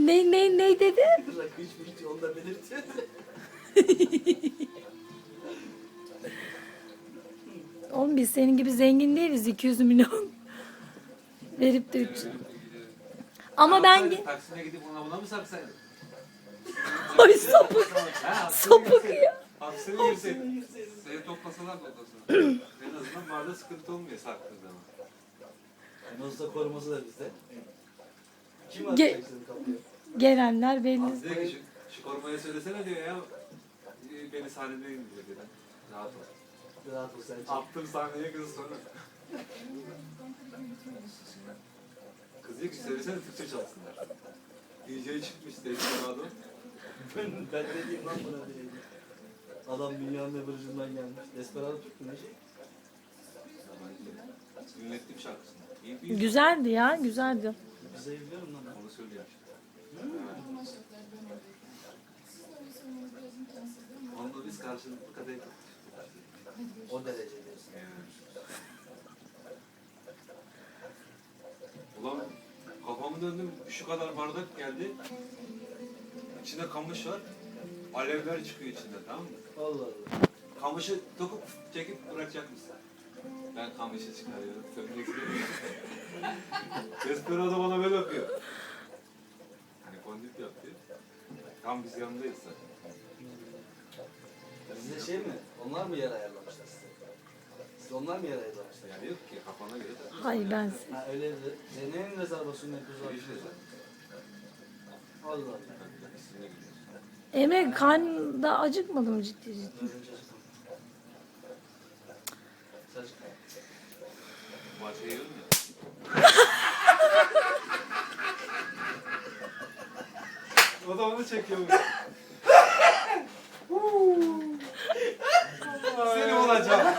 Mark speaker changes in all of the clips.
Speaker 1: Ne dedi?
Speaker 2: Rakı içmiş yolda belirtiyor.
Speaker 1: Oğlum biz senin gibi zengin değiliz, 200 milyon verip de 3. Ama ben
Speaker 3: Taksine gidip ona buna mı saksaydın?
Speaker 1: ay sapık
Speaker 3: Ha,
Speaker 1: sapık ya.
Speaker 3: Haksını girseydin. Seni toplasalar. En azından barda sıkıntı olmuyor saktığın zaman.
Speaker 2: Yani olsa koruması da bizde. Kim
Speaker 1: Ge-
Speaker 2: atacak seni kapıya?
Speaker 1: Gelenler belli.
Speaker 3: Az diyor ki şu korumaya söylesene diyor ya. Beni sahnede indiriyor dedi. Rahat ol.
Speaker 2: Rahat ol sen çek.
Speaker 3: Attım sahneye kız sonra. Kız diyor ki söylesene Türkçe çalsınlar. DJ çıkmış Desperado.
Speaker 2: Ben ne diyeyim lan buna diyeyim. Adam dünyanın öbür ucundan gelmiş. Desperado tuttu ne şey?
Speaker 3: Dinlettim şarkısını. İyi bir
Speaker 1: Güzeldi ya, güzeldi.
Speaker 2: Bize biliyorum lan.
Speaker 3: onu söylüyor işte. Onunla biz karşılıklı kadeh
Speaker 2: O derece diyorsun.
Speaker 3: Ulan kafamı döndüm şu kadar bardak geldi. İçinde kamış var. Alevler çıkıyor içinde tamam mı?
Speaker 2: Allah Allah.
Speaker 3: Kamışı dokup çekip bırakacakmışsın. Ben kamışı çıkarıyorum. Sömürüksün. Desperado bana böyle yapıyor. Hani kondit yapıyor. Tam biz yanındayız zaten.
Speaker 2: Size şey mi? Onlar mı yer ayarlamışlar size? Siz onlar mı yer ayarlamışlar?
Speaker 3: Yani yok ki kafana göre de.
Speaker 1: Hayır ben
Speaker 2: Ha öyle de. Neyin rezervasyonu yapıyoruz
Speaker 3: İşte
Speaker 2: abi?
Speaker 3: zaten.
Speaker 2: Allah Allah.
Speaker 3: İsmine gidiyoruz.
Speaker 1: Emre karnında acıkmadı mı ciddi ciddi?
Speaker 2: Dördüncü açıklama. Saç.
Speaker 3: Bahçeye yiyorum ya. O da onu çekiyormuş. Seni olacağım.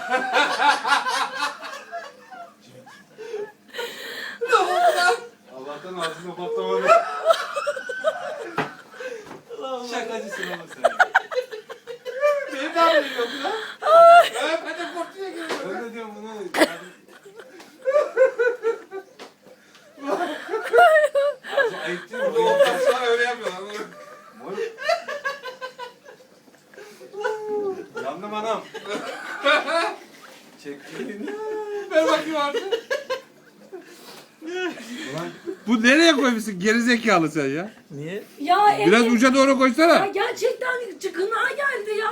Speaker 3: Allah'tan ağzına patlamadı. Şakacısın oğlum sen. Beni de arıyor bu lan. Ben de korkuya geliyorum. Ben de diyorum bunu. Ayıp değil mi? Doğumdan sonra öyle yapıyorlar. Yandım anam. Çektiğini. Ver bakayım artık.
Speaker 4: Bu nereye koymuşsun gerizekalı sen ya?
Speaker 2: Niye?
Speaker 1: Ya
Speaker 4: Biraz
Speaker 1: Emre
Speaker 4: uca doğru koysana.
Speaker 1: ya gerçekten çıkına geldi ya.